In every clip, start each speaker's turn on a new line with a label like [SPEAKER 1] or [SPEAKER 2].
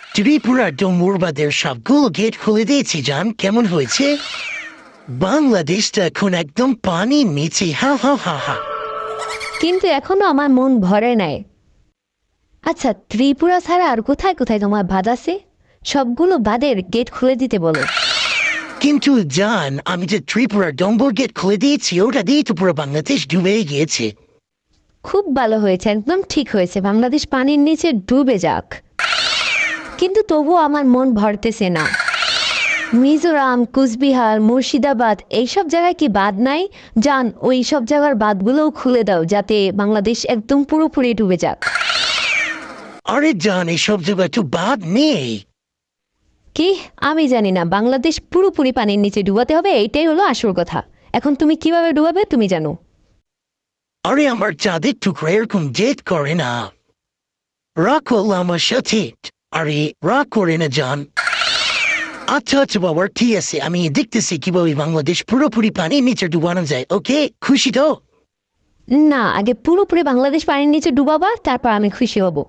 [SPEAKER 1] ত্রিপুরা ডোমুরবাদের সবগুলো গেট খুলে দিয়েছি জান, কেমন হয়েছে? বাংলাদেশটা এখন একদম পানির নিচে, হা হা হা হা।
[SPEAKER 2] কিন্তু এখনো আমার মন ভরে নাই। আচ্ছা, ত্রিপুরা ছাড়া আর কোথায় কোথায় তোমার বাঁধ আছে? সবগুলো বাঁধের গেট খুলে দিতে বলো।
[SPEAKER 1] কিন্তু জান, আমি যে ত্রিপুরা ডম্বর গেট খুলে দিয়েছি, ওটা দিয়ে তো পুরো বাংলাদেশ ডুবে গিয়েছে।
[SPEAKER 2] খুব ভালো হয়েছে, একদম ঠিক হয়েছে, বাংলাদেশ পানির নিচে ডুবে যাক। কিন্তু তবুও আমার মন ভরতেছে না। মিজোরাম, কুচবিহার, মুর্শিদাবাদ এইসব জায়গায় কি বাঁধ নাই? জান, ওই সব জায়গার বাঁধগুলোও খুলে দাও যাতে বাংলাদেশ একদম পুরোপুরি ডুবে যাক।
[SPEAKER 1] আরে জান, এইসব জায়গায় তো বাদ নেই।
[SPEAKER 2] কি? আমি জানি না, বাংলাদেশ পুরোপুরি পানির নিচে ডুবাতে হবে, এইটাই হলো আসল কথা। এখন তুমি কিভাবে ডুবাবে তুমি জানো।
[SPEAKER 1] আরে আমার চাঁদের টুকরা এরকম জেদ করে না। রাগ করলো আমার সাথে। আরে রাগ করে না জান। আচ্ছা আচ্ছা বাবা, ঠিক আছে, আমি দেখতেছি কিভাবে বাংলাদেশ পুরোপুরি পানির নিচে ডুবানো যায়। ওকে, খুশি তো?
[SPEAKER 2] না, আগে পুরোপুরি বাংলাদেশ পানির নিচে ডুবাবা, তারপর আমি খুশি হব।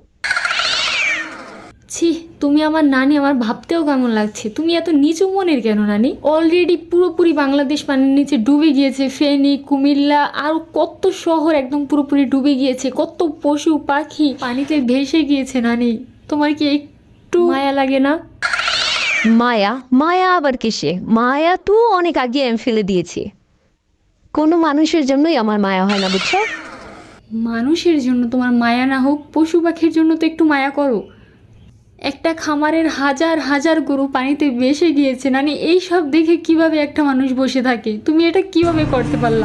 [SPEAKER 3] ছি, তুমি আমার নানি, আমার ভাবতেও কেমন লাগছে। তুমি এত নিচু মনের কেন নানি? অলরেডি পুরোপুরি বাংলাদেশ পানির নিচে ডুবে গিয়েছে। ফেনী, কুমিল্লা আর কত শহর একদম পুরোপুরি ডুবে গিয়েছে। কত পশু পাখি পানিতে ভেসে গিয়েছে নানি। তোমার কি একটু মায়া লাগে না?
[SPEAKER 2] মায়া? মায়া আবার কিসে? মায়া তো অনেক আগে আমি ফেলে দিয়েছি। কোনো মানুষের জন্যই আমার মায়া হয় না, বুঝছো?
[SPEAKER 3] মানুষের জন্য তোমার মায়া না হোক, পশু পাখির জন্য তো একটু মায়া করো। একটা খামারের হাজার হাজার গরু পানিতে ভেসে গিয়েছে নানি, এই সব দেখে কিভাবে একটা মানুষ বসে থাকে? তুমি এটা কিভাবে করতে পারলা?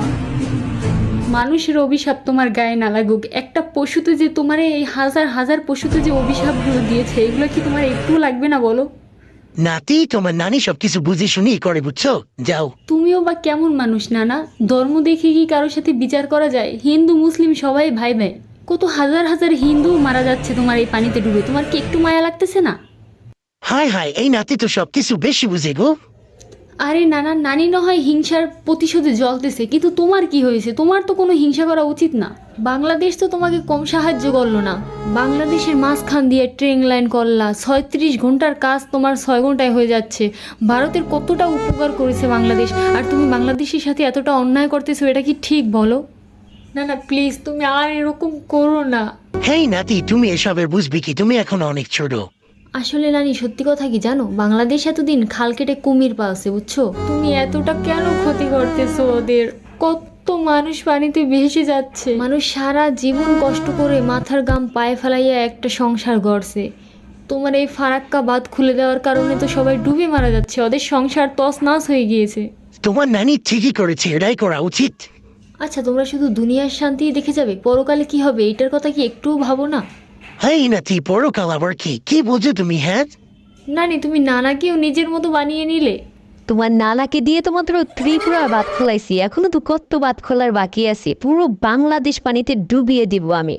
[SPEAKER 3] মানুষের অভিশাপ তোমার গায়ে না লাগুক, একটা পশুতে যে তোমার এই হাজার হাজার পশুতে যে অভিশাপগুলো দিয়েছে, এগুলো কি তোমার একটু লাগবে না বলো?
[SPEAKER 1] নাতি, তোমার নানি সবকিছু বুঝে শুনেই করে, বুঝছো? যাও।
[SPEAKER 3] তুমিও বা কেমন মানুষ নানা? ধর্ম দেখে কি কারোর সাথে বিচার করা যায়? হিন্দু মুসলিম সবাই ভাই ভাই। কত হাজার হাজার হিন্দু মারা যাচ্ছে তোমার এই পানিতে ডুবে, তোমার কি একটু মায়া লাগতেছে না?
[SPEAKER 1] হাই হাই, এই নাতি তো সবকিছু বেশি বুঝে গো।
[SPEAKER 3] আরে নানা, নানি না হয় হিংসার প্রতিশোধে জ্বলতেছে, কিন্তু তোমার কি হয়েছে? তোমার তো কোনো হিংসা করা উচিত না। বাংলাদেশ তো তোমাকে কম সাহায্য করলো না। বাংলাদেশের মাঝখান দিয়ে ট্রেন লাইন করলা, 36 ঘন্টার কাজ তোমার 6 ঘন্টায় হয়ে যাচ্ছে। ভারতের কতটা উপকার করেছে বাংলাদেশ, আর তুমি বাংলাদেশের সাথে এতটা অন্যায় করতেছো, এটা কি ঠিক বলো? না না প্লিজ, তুমি আর এরকম করো না।
[SPEAKER 1] হেই নাতি, তুমি এসবের বুঝবি কি? তুমি এখন অনেক ছোট।
[SPEAKER 3] আসলে নানি, সত্যি কথা কি জানো, বাংলাদেশ এতদিন খাল কেটে কুমির পালছে, বুঝছো? তুমি এতটা কেন ক্ষতি করতেছো ওদের? কত মানুষ পানিতে ভেসে যাচ্ছে। মানুষ সারা জীবন কষ্ট করে মাথার গাম পায়ে ফেলাইয়া একটা সংসার গড়ছে। তোমার এই ফারাক্কা বাঁধ খুলে দেওয়ার কারণে তো সবাই ডুবে মারা যাচ্ছে, ওদের সংসার তছনছ হয়ে গিয়েছে।
[SPEAKER 1] তোমার নানি ঠিকই করেছে, এটাই করা উচিত।
[SPEAKER 3] আচ্ছা, তোমরা শুধু দুনিয়ার শান্তি দেখে যাবে, পরকালে কি হবে এইটার কথা কি একটুও ভাবো না?
[SPEAKER 1] হেই নাতি, পরকাল আবার কি? কি বলছো তুমি? হ্যাঁ
[SPEAKER 3] নানি, তুমি নানাকেও নিজের মতো বানিয়ে নিলে।
[SPEAKER 2] তোমার নানাকে দিয়ে তো মাত্র ত্রিপুরা বাঁধ খোলাইছি, এখনো তো কত বাঁধ খোলার বাকি আছে। পুরো বাংলাদেশ পানিতে ডুবিয়ে দিব আমি।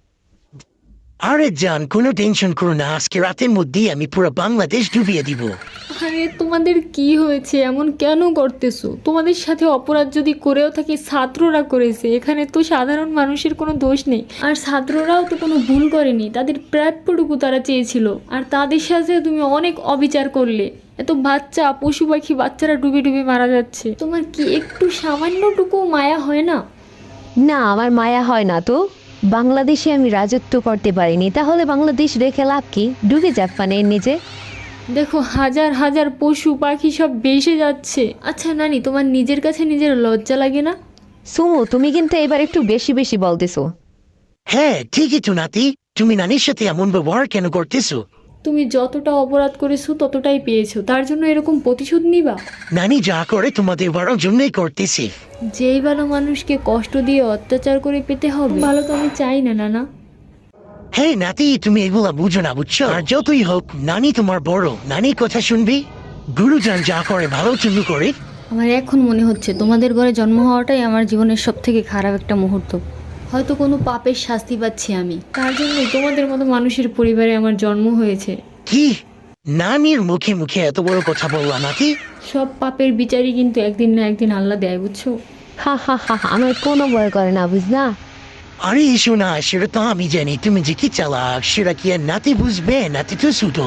[SPEAKER 1] আরে জান, কোনো টেনশন করো না, আজকে রাতের মধ্যেই আমি পুরো বাংলাদেশ ডুবিয়ে দিব।
[SPEAKER 3] আরে তোমাদের কি হয়েছে? এমন কেন করতেছো? তোমাদের সাথে অপরাধ যদি করেও থাকে, ছাত্ররা করেছে, এখানে তো সাধারণ মানুষের কোনো দোষ নেই। আর ছাত্ররাও তো কোনো ভুল করেনি, তাদের প্রাপ্যটুকু তারা চেয়েছিল, আর তাদের সাথে তুমি অনেক অবিচার করলে। এত বাচ্চা, পশু পাখি, বাচ্চারা ডুবে ডুবে মারা যাচ্ছে, তোমার কি একটু সামান্যটুকু মায়া হয় না?
[SPEAKER 2] না, আমার মায়া হয় না তো। বাংলাদেশে আমি রাজত্ব করতে পারিনি, তাহলে বাংলাদেশ রেখে লাভ কি? ডুবে যাক পানির নিচে।
[SPEAKER 3] দেখো, হাজার হাজার পশু পাখি সব ভেসে যাচ্ছে। আচ্ছা নানি, তোমার নিজের কাছে নিজের লজ্জা লাগে না?
[SPEAKER 2] সুমু, তুমি কিন্তু এবার একটু বেশি বেশি বলতেছো।
[SPEAKER 1] হ্যাঁ ঠিকই তো নাতি, তুমি নানির সাথে এমন ব্যবহার কেন করতেছো?
[SPEAKER 3] তুমি যতটা অপরাধ করেছো ততটাই পেয়েছো, তার জন্য এরকম প্রতিশোধ নিবা?
[SPEAKER 1] নানি যা করে তোমাদের বড় জন্যই করতেছে।
[SPEAKER 3] যেই ভালো মানুষকে কষ্ট দিয়ে অত্যাচার করে পেতে হবে, ভালো তো আমি চাই না নানা।
[SPEAKER 1] হ্যাঁ নাতি, তুমি এগুলা বুঝো না, বুঝছো? আর যতই হোক নানি তোমার বড়, নানির কথা শুনবি। গুরুজন যা করে ভালোর জন্য করে।
[SPEAKER 3] আমার এখন মনে হচ্ছে তোমাদের ঘরে জন্ম হওয়াটাই আমার জীবনের সব থেকে খারাপ একটা মুহূর্ত। হয়তো কোনো পাপের শাস্তি পাচ্ছি আমি, তার জন্যই তোমাদের মতো মানুষের পরিবারে আমার জন্ম হয়েছে।
[SPEAKER 1] কি? নানির মুখে মুখে এত বড় কথা বললা নাতি?
[SPEAKER 3] সব পাপের বিচারই কিন্তু একদিন না একদিন আল্লাহ দেয়, বুঝছো?
[SPEAKER 2] হা হা হা হা, আমার কোনো ভয় করে না, বুঝনা?
[SPEAKER 1] আরে এসো না, সেটা তো আমি জানি তুমি যে কি চালাক, সেটা কি আর নাতি বুঝবে? নাতি তো ছোট।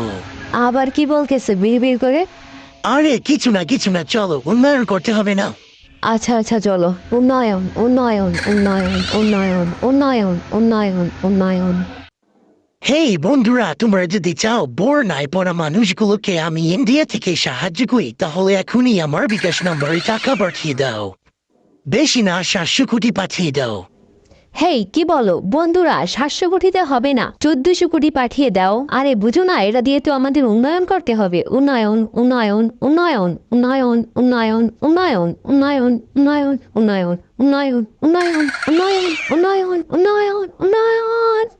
[SPEAKER 2] আবার কি বলতেছে বিড় করে?
[SPEAKER 1] আরে কিছু না চলো উন্নয়ন করতে হবে না।
[SPEAKER 2] আচ্ছা আচ্ছা চলো, উন্নয়ন উন্নয়ন উন্নয়ন উন্নয়ন উন্নয়ন উন্নয়ন উন্নয়ন।
[SPEAKER 1] হেই বন্ধুরা, তোমরা যদি চাও বোর নাই পড়া মানুষগুলোকে আমি ইন্ডিয়া থেকে সাহায্য করি তাহলে এখনই আমার বিকাশ নম্বরে টাকা পাঠিয়ে দাও। বেশি না 700 কোটি পাঠিয়ে দাও।
[SPEAKER 2] হেই কি বলো বন্ধুরা, 700 কোটিতে হবে না, 1400 কোটি পাঠিয়ে দাও। আরে বুঝো না, এটা দিয়ে তো আমাদের উন্নয়ন করতে হবে। উন্নয়ন উন্নয়ন উন্নয়ন উন্নয়ন উন্নয়ন উন্নয়ন উন্নয়ন উন্নয়ন উন্নয়ন উন্নয়ন উন্নয়ন উন্নয়ন উন্নয়ন উন্নয়ন উন্নয়ন।